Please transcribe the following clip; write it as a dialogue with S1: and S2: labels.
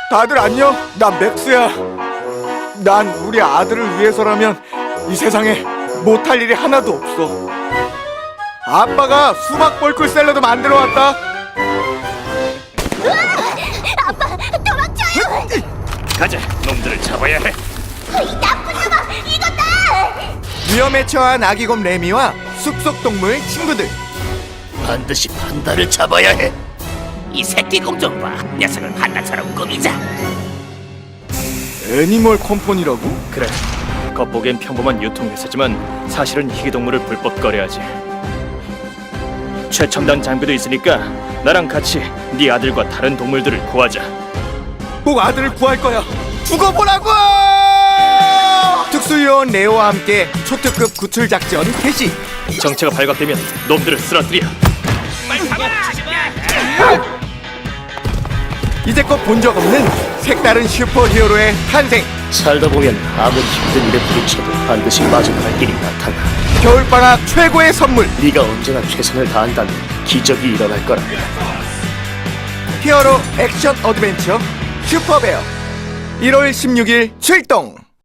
S1: 다들 안녕? 난 맥스야. 난 우리 아들을 위해서라면 이 세상에 못할 일이 하나도 없어. 아빠가 수박 벌꿀 샐러드 만들어 왔다.
S2: 아빠, 도망쳐요!
S3: 가자, 놈들을 잡아야 해.
S2: 이 나쁜 놈아, 이거다!
S1: 위험에 처한 아기곰 레미와 숲속 동물 친구들.
S3: 반드시 판다를 잡아야 해. 이 새끼 공좀 봐. 녀석을 한나처럼 꾸미자.
S1: 애니멀 컴퍼니라고?
S4: 그래, 겉보기엔 평범한 유통회사지만 사실은 희귀동물을 불법 거래하지. 최첨단 장비도 있으니까 나랑 같이 네 아들과 다른 동물들을 구하자.
S1: 꼭 아들을 구할 거야. 죽어보라고! 특수요원 레오와 함께 초특급 구출 작전 개시.
S4: 정체가 발각되면 놈들을 쓰러뜨려.
S1: 이제껏 본 적 없는 색다른 슈퍼히어로의 탄생.
S3: 살다 보면 아무리 힘든 일에 부딪혀도 반드시 마주할 길이 나타나.
S1: 겨울방학 최고의 선물.
S3: 네가 언제나 최선을 다한다면 기적이 일어날 거란다.
S1: 히어로 액션 어드벤처 슈퍼베어 1월 16일 출동.